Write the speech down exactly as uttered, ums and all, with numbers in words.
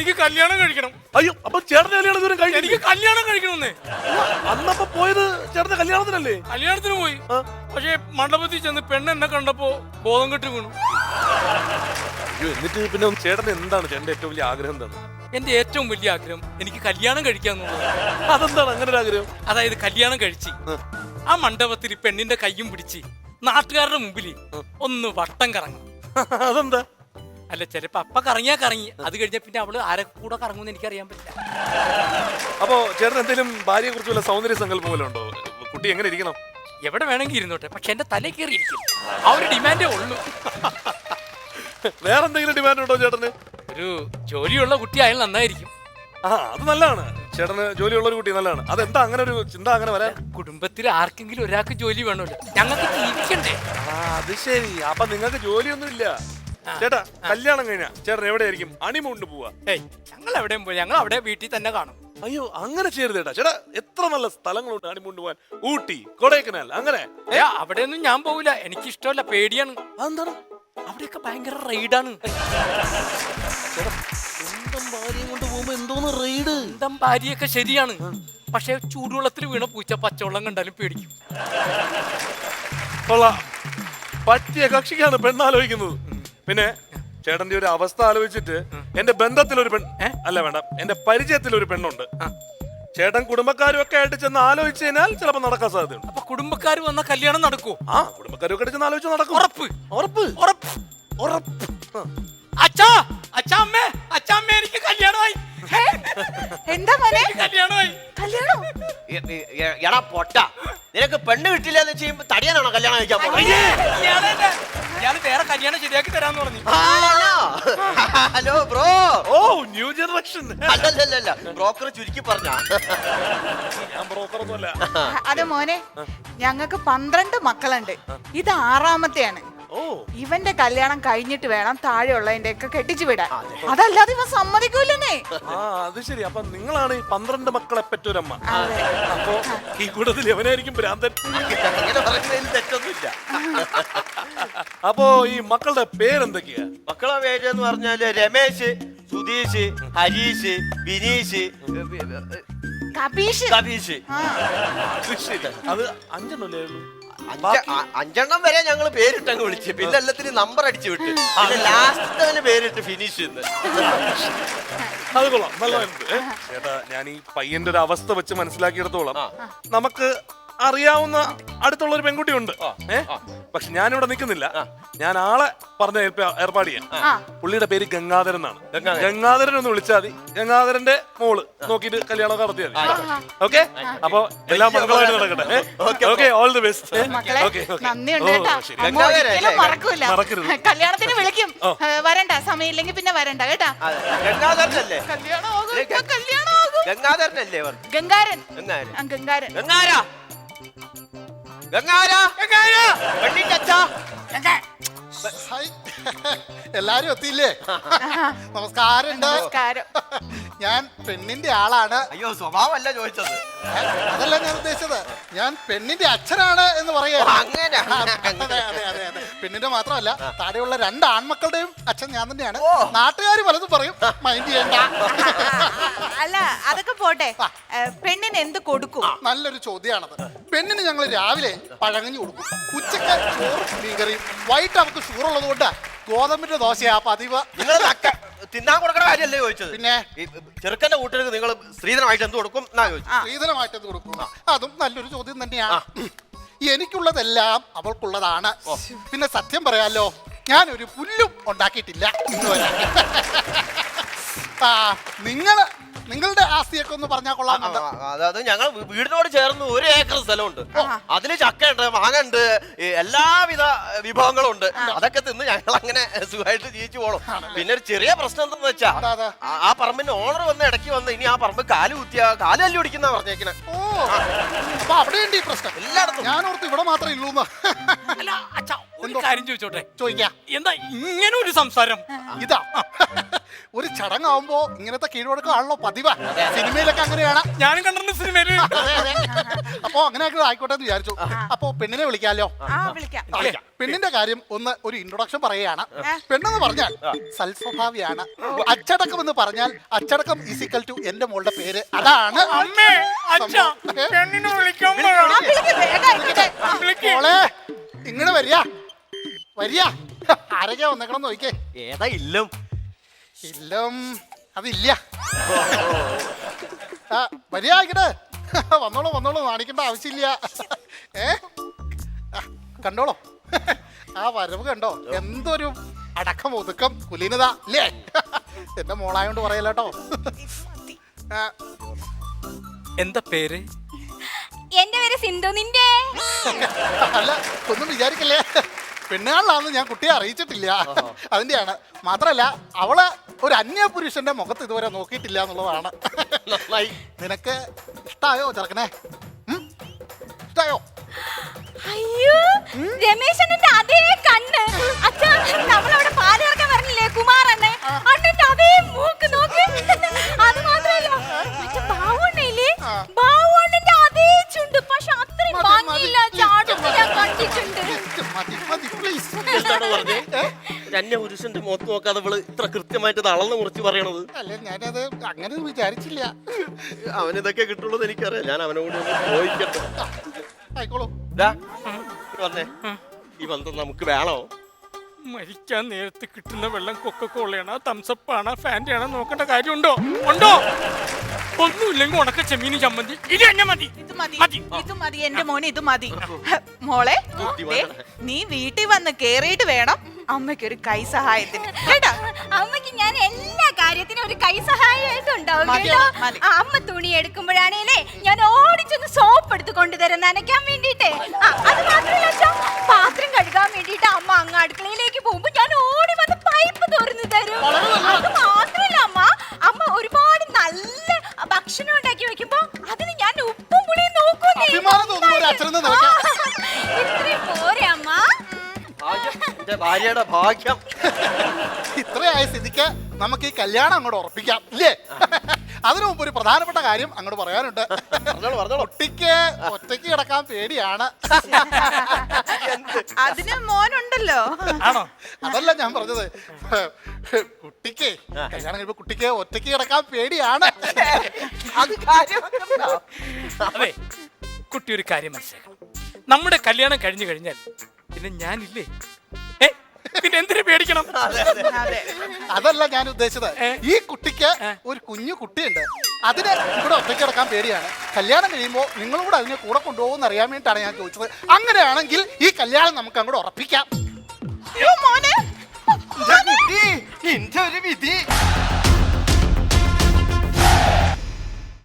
എനിക്ക് കല്യാണം കഴിക്കണം. അയ്യോ, അപ്പൊ ചേട്ടന്റെ കല്യാണം ദൂരം കഴിഞ്ഞു. എനിക്ക് കല്യാണം കഴിക്കണമെന്നേ. അന്നപ്പോ പോയത് ചേട്ടന്റെ കല്യാണത്തിനല്ലേ? കല്യാണത്തിന് പോയി. പക്ഷെ മണ്ഡപത്തിൽ ചെന്ന് പെണ്ണ് എന്നെ കണ്ടപ്പോ ബോധം കെട്ട് വീണു. അയ്യോ, എന്നിട്ട് പിന്നെ ചേട്ടന് എന്താണ് ചേട്ടന്റെ ഏറ്റവും വലിയ ആഗ്രഹം എന്താണ്? എന്റെ ഏറ്റവും വലിയ ആഗ്രഹം എനിക്ക് കല്യാണം കഴിക്കാന്നുള്ളത്. അതെന്താണ് അങ്ങനെ ഒരു ആഗ്രഹം? അതായത് കല്യാണം കഴിച്ച് ആ മണ്ഡപത്തിൽ പെണ്ണിന്റെ കയ്യും പിടിച്ച് നാട്ടുകാരുടെ മുമ്പിൽ ഒന്ന് വട്ടം കറങ്ങും. അതെന്താ? അല്ല, ചിലപ്പോ അപ്പ കറങ്ങിയാ കറങ്ങി, അത് കഴിഞ്ഞ പിന്നെ അവള് ആരെ കൂടെ കറങ്ങുമെന്ന് എനിക്കറിയാൻ പറ്റില്ല. അപ്പോ ചേട്ടൻ എന്തെങ്കിലും ഭാര്യയെ കുറിച്ച് വല്ല സൗന്ദര്യ സങ്കല്പം പോലെ ഉണ്ടോ? കുട്ടി എങ്ങനെ ഇരിക്കണം? എവിടെ വേണമെങ്കിൽ ഇരുന്നോട്ടെ, പക്ഷെ എന്റെ തലേ കയറി ഇരിക്കും. ആ ഒരു ഡിമാൻഡേ ഉള്ളൂ. വേറെ എന്തെങ്കിലും ഡിമാൻഡ് ഉണ്ടോ ചേട്ടന്? ഒരു ജോലിയുള്ള കുട്ടിയായാൽ നന്നായിരിക്കും. ആ, അത് നല്ലതാണ്. ചേട്ടന് ജോലിയുള്ള ഒരു കുട്ടി നല്ലതാണ്. അതെന്താ അങ്ങനെ ഒരു ചിന്ത അങ്ങനെ വരാൻ? കുടുംബത്തിൽ ആർക്കെങ്കിലും ഒരാൾക്ക് ജോലി വേണമല്ലോ, ഞങ്ങൾക്ക് ജീവിക്കണ്ടേ. ആ, അത് ശരി. അപ്പൊ നിങ്ങൾക്ക് ജോലിയൊന്നും ഇല്ല. ചേട്ടാ, കല്യാണം കഴിഞ്ഞാ ചേട്ടൻ എവിടെയായിരിക്കും ഹണിമൂണിന് പോവാ? ഏയ്, ഞങ്ങൾ എവിടെയും പോയി, ഞങ്ങൾ അവിടെ വീട്ടിൽ തന്നെ കാണും. അയ്യോ, അങ്ങനെ ചെയ്യരുത് ചേട്ടാ. ചേട്ടാ, എത്ര നല്ല സ്ഥലങ്ങളുണ്ട് ഹണിമൂണിന് പോവാൻ. ഊട്ടി, കൊടൈക്കനാൽ, അങ്ങനെ. അവിടെയൊന്നും ഞാൻ പോവില്ല, എനിക്ക് ഇഷ്ടമല്ല, പേടിയാണ്. അതെന്താണ്? അവിടെയൊക്കെ ഭയങ്കര റൈഡാണ്. സ്വന്തം ഭാര്യയും കൊണ്ട് പോകുമ്പോ എന്തോന്ന് റൈഡ്? സ്വന്തം ഭാര്യയൊക്കെ ശരിയാണ്, പക്ഷെ ചൂടുവെള്ളത്തിൽ വീണ പൂച്ച പച്ചവെള്ളം കണ്ടാലും പേടിക്കും. കൊള്ളാം, പറ്റിയ കക്ഷിക്കാണ് പെണ്ണാലോചിക്കുന്നത്. പിന്നെ ചേട്ടന്റെ ഒരു അവസ്ഥ ആലോചിച്ചിട്ട് എന്റെ ബന്ധത്തിൽ ഒരു പെൺ അല്ല വേണ്ട എന്റെ പരിചയത്തിൽ ഒരു പെണ്ണുണ്ട്. ചേട്ടൻ കുടുംബക്കാരും ഒക്കെ ആയിട്ട് ചെന്ന് ആലോചിച്ചു കഴിഞ്ഞാൽ ചിലപ്പോ നടക്കാൻ സാധ്യതയുണ്ട്. അപ്പൊ കുടുംബക്കാർ വന്ന കല്യാണം നടക്കൂ? ആ, കുടുംബക്കാരും ഒക്കെ ചെന്ന് ആലോചിച്ച് നടക്കും. ഉറപ്പ് ഉറപ്പ് ഉറപ്പ് ഉറപ്പ്. അച്ഛാ, അച്ഛാ, അമ്മേ, അച്ഛാ, അമ്മേ, എനിക്ക് കല്യാണമായി. എന്താ മോനെ? കല്യാണമായി. കല്യാണം? എടാ പൊട്ട, നിനക്ക് പെണ്ണ് കിട്ടില്ല എന്ന് ചെയ്യുമ്പോ തടിയാനാണോ കല്യാണം കഴിക്കാൻ പോകുന്നത്? ഇയാള് വേറെ കല്യാണം ശരിയാക്കി തരാന്ന് പറഞ്ഞു. Hello bro. ഓ, ന്യൂ ജനറേഷൻ. അല്ലല്ലല്ല, ബ്രോക്കർ ചുരുക്കി പറഞ്ഞ. ഞാൻ ബ്രോക്കർ ഒന്നുമല്ല. അത് മോനെ, ഞങ്ങൾക്ക് പന്ത്രണ്ട് മക്കളുണ്ട്, ഇത് ആറാമത്തെയാണ്. ഓ, ഇവന്റെ കല്യാണം കഴിഞ്ഞിട്ട് വേണം താഴെയുള്ളതിന്റെ ഒക്കെ കെട്ടിച്ചു വിടാൻ. അതല്ലാതെ ഇവൻ സമ്മതിക്കൂലെന്നേ. ആ, അത് ശരി. അപ്പൊ നിങ്ങളാണ് ഈ പന്ത്രണ്ട് മക്കളെ പെറ്റൊരമ്മ. അപ്പൊ ഈ കൂട്ടത്തിൽ എവനായിരിക്കും ഭ്രാന്തൻ? അങ്ങനെ പറയുന്നതിൽ തെറ്റൊന്നുമില്ല. അപ്പോ ഈ മക്കളുടെ പേരെന്തൊക്കെയാ? മക്കളെ പേര് എന്ന് പറഞ്ഞാല് രമേശ്, സുധീഷ്, ഹരീഷ്, ബിനീഷ്, കപീഷ്, കബീഷ്. അത് ശരി. അത് അഞ്ചെണ്ണല്ലേ ഉള്ളൂ? അഞ്ച- അഞ്ചെണ്ണം വരെ ഞങ്ങൾ പേരിട്ടങ്ങ് വിളിച്ചു, പിന്നെ എല്ലാത്തിനും നമ്പർ അടിച്ചു വിട്ട്, പിന്നെ ലാസ്റ്റ് പേരിട്ട് ഫിനിഷ്. അത് കൊള്ളാം, നല്ലതായിരുന്നു. ചേട്ടാ, ഞാൻ ഈ പയ്യന്റെ ഒരു അവസ്ഥ വെച്ച് മനസ്സിലാക്കിയെടുത്തോളം നമുക്ക് അറിയാവുന്ന അടുത്തുള്ള ഒരു പെൺകുട്ടി ഉണ്ട്. ഏഹ് പക്ഷെ ഞാനിവിടെ നിൽക്കുന്നില്ല. ഞാൻ ആളെ പറഞ്ഞ ഏർപ്പാട് ചെയ്യാം. പുള്ളിയുടെ പേര് ഗംഗാധരൻ എന്നാണ്. ഗംഗാധരൻ ഒന്ന് വിളിച്ചാൽ മതി. ഗംഗാധരന്റെ മോള് നോക്കിയിട്ട് കല്യാണം നടത്തിയാൽ മതി. ഓക്കെ, അപ്പൊ എല്ലാം മംഗളമായിട്ട് നടക്കട്ടെ. Okay, all the best. നന്ദിയുണ്ട് കേട്ടോ. അമ്മ ഒരിക്കലും മറക്കൂല. കല്യാണത്തിന് വിളിക്കും. വരണ്ട, സമയമില്ലെങ്കിൽ പിന്നെ വരണ്ട കേട്ടാ. ഗംഗാധരനല്ലേ? കല്യാണം ആകും, കല്യാണം ആകും. ഗംഗാധരനല്ലേ? ഗംഗാരൻ. ഗംഗാരൻ. ആ, ഗംഗാരൻ. ഗംഗാര ഗംഗാര പെണ്ണിന്റെ അച്ഛാ. എല്ലാരും എത്തിയില്ലേ? നമസ്കാരം. നമസ്കാരം. ഞാൻ പെണ്ണിന്റെ ആളാണ്. അയ്യോ, സ്വഭാവമല്ല ചോദിച്ചത്. അതല്ല ഞാൻ ഉദ്ദേശിച്ചത്, ഞാൻ പെണ്ണിന്റെ അച്ഛനാണ് എന്ന് പറയാ. അങ്ങനെ പെണ്ണിന്റെ മാത്രമല്ല, താഴെയുള്ള രണ്ട് ആൺമക്കളുടെയും അച്ഛൻ ഞാൻ തന്നെയാണ്. നാട്ടുകാർ പലതും പറയും, മൈൻഡ് ചെയ്യണ്ട. അല്ല, അതൊക്കെ പോട്ടെ. പെണ്ണിന് എന്ത് കൊടുക്കും? നല്ലൊരു ചോദ്യമാണത്. പെണ്ണിന് ഞങ്ങൾ രാവിലെ പഴങ്ങഞ്ഞു കൊടുക്കും, ഉച്ചക്ക് ചോറും മീൻകറിയും, വൈകിട്ട് അവർക്ക് ഷുഗറുള്ളത് കൊണ്ട് ഗോതമ്പിന്റെ ദോശയാ പതിവ്. നിങ്ങൾ തിന്നാൻ കൊടുക്കണ കാര്യമല്ലേ ചോദിച്ചത്? പിന്നെ ചെറുക്കന്റെ കൂട്ടർക്ക് നിങ്ങൾ സ്ത്രീധനമായിട്ട് എന്ത് കൊടുക്കും എന്നാ ചോദിച്ചു. സ്ത്രീധനമായിട്ട് എന്ത് കൊടുക്കും? അതും നല്ലൊരു ചോദ്യം തന്നെയാണ്. എനിക്കുള്ളതെല്ലാം അവൾക്കുള്ളതാണ്. പിന്നെ സത്യം പറയാലോ, ഞാനൊരു പുല്ലും ഉണ്ടാക്കിയിട്ടില്ല ഇന്ന് വരെ. ആ, നിങ്ങള് നിങ്ങളുടെ ആസ്തിയൊക്കെ ഒന്ന് പറഞ്ഞാൽ കൊള്ളാം. അതായത് ഞങ്ങൾ വീടിനോട് ചേർന്ന് ഒരു ഏക്കർ സ്ഥലമുണ്ട്. അതില് ചക്കയുണ്ട്, മാങ്ങുണ്ട്, എല്ലാവിധ വിഭവങ്ങളും ഉണ്ട്. അതൊക്കെ തിന്ന് ഞങ്ങൾ അങ്ങനെ സുഖമായിട്ട് ജീവിച്ചു പോകണം. പിന്നെ ഒരു ചെറിയ പ്രശ്നം എന്താന്ന് വെച്ചാ, ആ പറമ്പിന്റെ ഓണർ വന്ന് ഇടയ്ക്ക് വന്ന് ഇനി ആ പറമ്പ് കാല് കുത്തിയ കാല് തല്ലി പിടിക്കുന്ന പറഞ്ഞേക്കണേ. ഓ, അപ്പൊ അവിടെയുണ്ട് ഈ പ്രശ്നം. എല്ലായിടത്തും. ഞാൻ ഓർത്ത് ഇവിടെ മാത്രമേ ഉള്ളൂ. അല്ല അച്ഛാ, ഒരു കാര്യം ചോദിച്ചോട്ടെ? ചോദിക്കാം. എന്താ ഇങ്ങനെ ഒരു സംസാരം? ഇതാ ഒരു ചടങ്ങാവുമ്പോ ഇങ്ങനത്തെ കീഴ്വഴക്കമാണല്ലോ പതിവ്. സിനിമയിലൊക്കെ അങ്ങനെയാണ്. ഞാനും കണ്ടിട്ടുണ്ട് സിനിമയില്. അതെ, അതെ. അപ്പൊ അങ്ങനെയൊക്കെ ആയിക്കോട്ടെ എന്ന് വിചാരിച്ചു. അപ്പൊ പെണ്ണിനെ വിളിക്കാലോ? ആ വിളിക്കാം. വിളിക്കാം. പെണ്ണിന്റെ കാര്യം ഒന്ന് ഒരു ഇൻട്രൊഡക്ഷൻ പറയുകയാണ്. പെണ്ണെന്ന് പറഞ്ഞാൽ സൽസ്വഭാവിയാണ്. അച്ചടക്കം എന്ന് പറഞ്ഞാൽ അച്ചടക്കം ഈസിക്കൽ ടു എന്റെ മോളുടെ പേര്. അതാണ് അമ്മേ, അച്ഛാ, പെണ്ണിനെ വിളിക്കാൻ പറ. ആ, വിളിക്ക്, വേഗം വിളിക്ക്. ആ, വിളിക്ക്. മോളെ ഇങ്ങോട്ട് വരിക വരിക. ആരൊക്കെയാ വന്നേക്കണം നോക്കിക്കേ. ഏതാ ഇല്ലും ഇല്ലം അതില്ല. ആ വരിക ആയിക്കട്ടെ. വന്നോളൂ വന്നോളൂ, നാണിക്കേണ്ട ആവശ്യമില്ല. ഏ ആ, കണ്ടോളൂ ആ വരവ് കണ്ടോ? എന്തൊരു അടക്കം ഒതുക്കം കുലീനത അല്ലേ? എന്റെ മോളായോണ്ട് പറയല്ലോ. എന്താ പേര്? എന്റെ പേര് സിന്ധു. നിന്റെ? അല്ല ഒന്നും വിചാരിക്കല്ലേ, പെണ്ണുകാളിലാണെന്ന് ഞാൻ കുട്ടിയെ അറിയിച്ചിട്ടില്ല. അതിന്റെയാണ്. മാത്രല്ല അവള് ഒരു അന്യ പുരുഷന്റെ മുഖത്ത് ഇതുവരെ നോക്കിയിട്ടില്ല എന്നുള്ളതാണ്. നന്നായി. നിനക്ക് ഇഷ്ടായോ ചെറുക്കനെ? ഉം? ഇഷ്ടായോ? അയ്യോ, രമേശന്റെ അതേ കണ്ണ്. അച്ഛാ, നമ്മളവിടെ പാല് കറക്കാൻ പറഞ്ഞില്ലേ കുമാറണ്ണൻ? അണ്ണന്റെ അതേ മൂക്ക് നോക്ക്. അത് മാത്രല്ല മറ്റേ ബാവുണ്ണയില്ലേ, ബാവുണ്ണന്റെ അതേ ചുണ്ട്. പക്ഷെ അത്രയും മതി, ഭംഗിയില്ല മതി. ചാടും ഞാൻ കണ്ടിട്ടുണ്ട്. മതി, മതി, please. എന്താണ് പറഞ്ഞേ? തന്നെ പുരുഷന്റെ മുഖത്ത് നോക്കാതെ ഇവള് ഇത്ര കൃത്യമായിട്ട് ഇത് അളന്ന് മുറിച്ച് പറയണത്? അല്ല ഞാനത് അങ്ങനെ വിചാരിച്ചില്ല. അവനിതൊക്കെ കിട്ടുള്ളൂ എനിക്കറിയാം. ഞാൻ അവനോട് ഒന്ന് ചോദിക്കട്ടെ. ആയിക്കോളൂ. ദാ, ഇങ്ങ് വന്നേ. ഈ ബന്ധം നമുക്ക് വേണോ? മരിക്കാൻ നേരത്ത് കിട്ടുന്ന വെള്ളം കൊക്കക്കോളയാണോ തംസപ്പാണോ ഫാൻ്റെ ആണോ നോക്കേണ്ട കാര്യമുണ്ടോ? ഉണ്ടോ? ഒന്നുമില്ലെങ്കിൽ ഉണക്ക ചെമ്മീന് ചമ്മന്തി ഇത് തന്നെ മതി. ഇത് മതി, മതി. ഇത് മതി എന്റെ മോനെ, ഇത് മതി. മോളെ ദേ, നീ വീട്ടിൽ വന്ന് കേറിയിട്ട് വേണം അമ്മയ്ക്ക് ഒരു കൈ സഹായത്തിന് കേട്ടോ. അമ്മയ്ക്ക് ഞാൻ എല്ലാ കാര്യത്തിനും ഒരു കൈ സഹായമായിട്ട് ഉണ്ടാവും മതി, കേട്ടോ. മതി. ആ, അമ്മ തുണി എടുക്കുമ്പോഴാണേലേ ഞാൻ ഓടിച്ചൊന്ന് സോപ്പ് എടുത്ത് കൊണ്ടുതരാം നനയ്ക്കാൻ വേണ്ടിട്ടേ. ആ, അത് മാത്രമല്ല അച്ഛാ, പാത്രം കഴുകാൻ വേണ്ടിട്ട് അമ്മ അങ്ങ് അടുക്കളയിലേക്ക് പോകുമ്പോ ഞാൻ ഓടി വന്ന് പൈപ്പ് തുറന്നു തരും. അത് മാത്രമല്ല അമ്മ അമ്മ ഒരുപാട് നല്ല ഭക്ഷണം ഉണ്ടാക്കി വെക്കുമ്പോ അതിന് ഞാൻ ഉപ്പും പുളിയും നോക്കൂന്നേ. അഭിമാനം തോന്നുന്നു ഒരു അച്ഛനെന്ന് നിനക്ക്. ഇത്രയും പോരെ അമ്മ? ഭാഗ്യം. എന്റെ ഭാര്യയുടെ ഭാഗ്യം. ഇത്രയായ സ്ഥിതിക്ക് നമുക്ക് ഈ കല്യാണം അങ്ങോട്ട് ഉറപ്പിക്കാം ഇല്ലേ? അതിനു മുമ്പ് ഒരു പ്രധാനപ്പെട്ട കാര്യം അങ്ങോട്ട് പറയാനുണ്ട്. പറഞ്ഞോളൂ, പറഞ്ഞോളൂ. കുട്ടിക്ക് ഒറ്റയ്ക്ക് കിടക്കാൻ പേടിയാണ്. അതിന് മോനുണ്ടല്ലോ. ആണോ? അതല്ല ഞാൻ പറഞ്ഞത്. കുട്ടിക്ക് കല്യാണം കഴിയുമ്പോ കുട്ടിക്ക് ഒറ്റയ്ക്ക് കിടക്കാൻ പേടിയാണ്. അത് കാര്യം. അതെ, കുട്ടി ഒരു കാര്യം മനസ്സിലാക്കണം. നമ്മുടെ കല്യാണം കഴിഞ്ഞു കഴിഞ്ഞാൽ പിന്നെ ഞാനില്ലേ? ഏ, പിന്നെ എന്തിനു പേടിക്കണം? അതെ. അതല്ല ഞാൻ ഉദ്ദേശിച്ചത്. ഏ? ഈ കുട്ടിക്ക് ഒരു കുഞ്ഞു കുട്ടിയുണ്ട്. അതിന് ഇവിടെ ഒറ്റയ്ക്ക് കിടക്കാൻ പേടിയാണ്. കല്യാണം കഴിയുമ്പോൾ നിങ്ങളും കൂടെ അതിനെ കൂടെ കൊണ്ടുപോകുമെന്ന് അറിയാൻ വേണ്ടിയിട്ടാണ് ഞാൻ ചോദിച്ചത്. അങ്ങനെയാണെങ്കിൽ ഈ കല്യാണം നമുക്ക് അങ്ങോട്ട് ഉറപ്പിക്കാം. അയ്യോ, മോനെ നിന്റെ കുട്ടി, നിന്റെ ഒരു വിധി.